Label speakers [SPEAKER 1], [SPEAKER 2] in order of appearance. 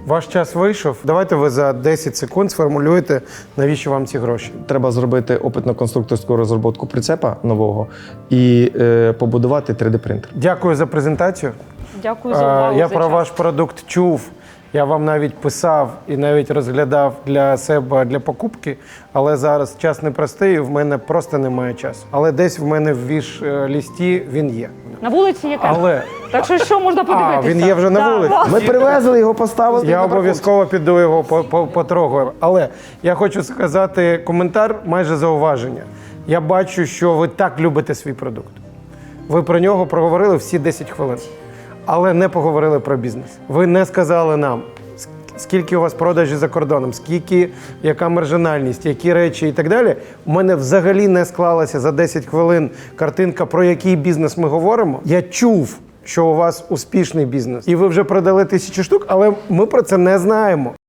[SPEAKER 1] Ваш час вийшов. Давайте ви за 10 секунд сформулюєте, навіщо вам ці гроші.
[SPEAKER 2] Треба зробити опитно-конструкторську розробку прицепа нового і побудувати 3D-принтер.
[SPEAKER 1] Дякую за презентацію.
[SPEAKER 3] Дякую за увагу.
[SPEAKER 1] Я
[SPEAKER 3] за
[SPEAKER 1] про
[SPEAKER 3] час.
[SPEAKER 1] ваш продукт чув. Я вам навіть писав і навіть розглядав для себе для покупки, але зараз час непростий, і в мене просто немає часу. Але десь в мене в віш-лісті він є.
[SPEAKER 3] На вулиці є камера.
[SPEAKER 1] Але
[SPEAKER 3] Так що можна подивитися?
[SPEAKER 1] він є вже на вулиці.
[SPEAKER 2] Ми привезли його, поставили.
[SPEAKER 1] Я обов'язково піду його потрогаю. Але я хочу сказати коментар, майже зауваження. Я бачу, що ви так любите свій продукт. Ви про нього проговорили всі 10 хвилин, але не поговорили про бізнес. Ви не сказали нам, скільки у вас продажі за кордоном, скільки, яка маржинальність, які речі і так далі. У мене взагалі не склалася за 10 хвилин картинка, про який бізнес ми говоримо. Я чув, що у вас успішний бізнес. І ви вже продали 1000 штук, але ми про це не знаємо.